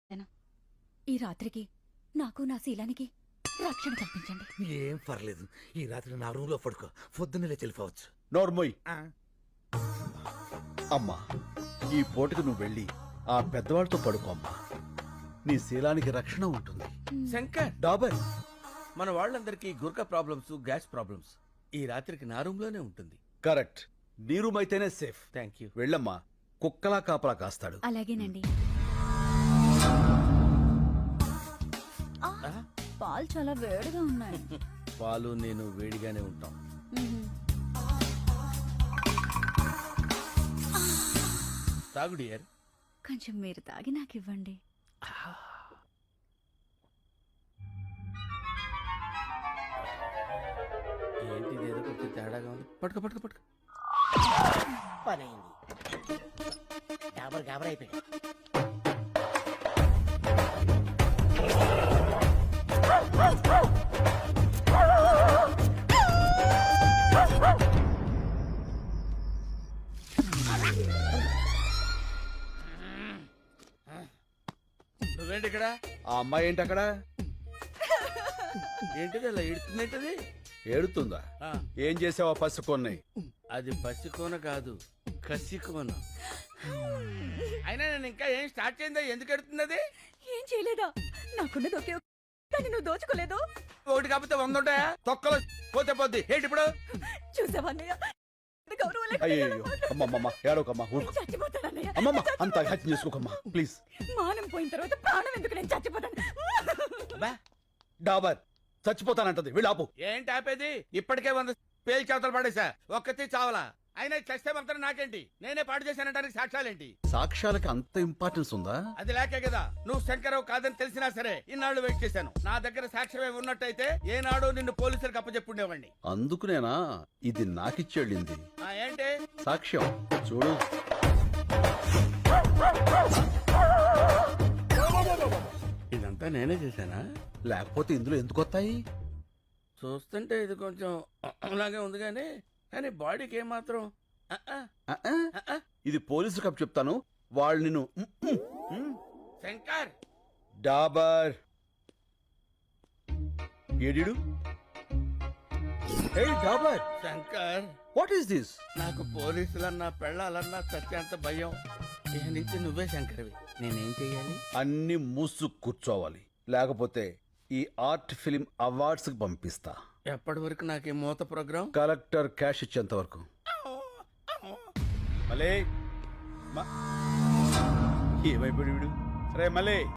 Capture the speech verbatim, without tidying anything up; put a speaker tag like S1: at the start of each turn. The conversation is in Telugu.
S1: ఈ రాత్రికి నాకు నా శీలానికి రక్షణ కల్పించండి.
S2: ఏం పర్లేదు, ఈ రాత్రి నా రూమ్ లో పడుకో, పొద్దున్నే తెలిపోవచ్చు.
S3: నోర్మోయ్ అమ్మా, ఈ పూటకు నువ్వు వెళ్ళి ఆ పెద్దవాళ్ళతో పడుకో అమ్మా. నీ శీలానికి రక్షణ ఉంటుంది.
S4: శంకర్,
S3: డాబర్,
S4: మన వాళ్ళందరికీ గుర్కా ప్రాబ్లమ్స్, గ్యాస్ ప్రాబ్లమ్స్. ఈ రాత్రికి నా రూమ్ లోనే ఉంటుంది.
S3: కరెక్ట్. నీ రూమ్ అయితేనే సేఫ్.
S4: Thank you.
S3: వెళ్ళమ్మా, కుక్కలా కాపలా కాస్తాడు.
S1: అలాగేనండి. ఆ, పాలు చాలా వేడిగా ఉన్నాయి.
S4: పాలు నేను వేడిగానే ఉంటాం.
S1: మ్మ్.
S4: తాగు డియర్.
S1: కొంచెం మీరు తాగి నాకు ఇవ్వండి.
S4: ఏంటి ఏదో కొంచెం తేడాగా ఉంది. పట్టుకో పట్టుకో పట్టుకో.
S5: పని అయింది. గాబర్ గాబర్ అయిపోయాడు.
S4: నువ్వేంటి ఇక్కడ?
S3: ఆ అమ్మాయి ఏంటి అక్కడ?
S4: ఏంటిది అలా ఇడుతుందేంటది?
S3: ఏడుతుందా?
S4: ఆ,
S3: ఏం చేసావా పసు కొన్నాయి?
S4: అది పసికోన కాదు, కసికోన. అయినా నేను ఇంకా ఏం స్టార్ట్ చేయిందా? ఎందుకు ఎడుతుంది అది?
S1: ఏం చేయలేదా? నాకున్నది ఒకే ఒక్క- కానీ నువ్వు దోచుకోలేదు.
S4: ఒకటి కాకపోతే వంద ఉంటాయా? తొక్కలో పోతే పోద్ది. ఏంటి ఇప్పుడు?
S1: చూసావా అన్నయ్య? ఎంత గౌరవం లేకుండా
S3: అయ్యో
S1: ఎలా మాట్లాడుతున్నావు?
S3: అమ్మమ్మమ్మ, ఏడోకమ్మా, ఊరుకో.
S1: చచ్చిపోతానన్నయ్య.
S3: అమ్మమ్మ, అంత హత్య చేసుకోకమ్మా ప్లీజ్.
S1: మానం పోయిన తర్వాత ప్రాణం ఎందుకు? నేను చచ్చిపోతాను.
S4: బా,
S3: డాబర్ చచ్చిపోతానంటది, వీళ్ళాపు.
S4: ఏంటి ఆపేది? ఇప్పటికే వంద పేలు చేతలు పడేసా, ఒక్కతి చావలా. అయినా చస్తే మాత్రం నాకేంటి? నేనే పాటు చేశానంటానికి సాక్ష్యాలేంటి?
S3: సాక్ష్యాలకి అంత ఇంపార్టెన్స్ ఉందా?
S4: అది లేకే కదా నువ్వు శంకరరావు కాదని తెలిసినా సరే ఇన్నాళ్ళు వెయిట్ చేశాను. నా దగ్గర సాక్ష్యమే ఉన్నట్టయితే ఏనాడు నిన్ను పోలీసులకు అప్పచెప్పుండేవాడిని.
S3: అందుకునేనా ఇది నాకిచ్చేళ్ళింది
S4: ఆ, ఏంటి?
S3: సాక్ష్యం చూడు.
S4: ఇదంతా నేనే చేశానా?
S3: లేకపోతే ఇందులో ఎందుకు వస్తాయి?
S4: చూస్తుంటే ఇది కొంచెం అలాగే ఉంది కానీ కానీ బాడీకి ఏమాత్రం ఆ, ఆ,
S3: ఆ, ఆ?
S4: ఆ, ఆ.
S3: ఇది పోలీసు కప్ చెప్తాను, వాళ్ళు నిన్ను ఉమ్, ఉమ్, ఉమ్.
S4: శంకర్,
S3: డాబర్ ఏడిడు? హే డాబర్,
S4: శంకర్,
S3: వాట్ ఈస్ దిస్?
S4: నాకు పోలీసులన్నా పెళ్ళాలన్నా చచ్చేంత భయం. ఇక నుంచి నువ్వే శంకర్వి. నేనేం చెయ్యాలి?
S3: అన్ని మూసు కూర్చోవాలి, లేకపోతే ఈ ఆర్ట్ ఫిలిం అవార్డ్స్ కి పంపిస్తా.
S4: ఎప్పటి వరకు నాకు ఈ మూత ప్రోగ్రాం?
S3: కలెక్టర్ క్యాష్ ఇచ్చేంత వరకు. మలే ఏమైపోయాడు వీడు? రే మలే.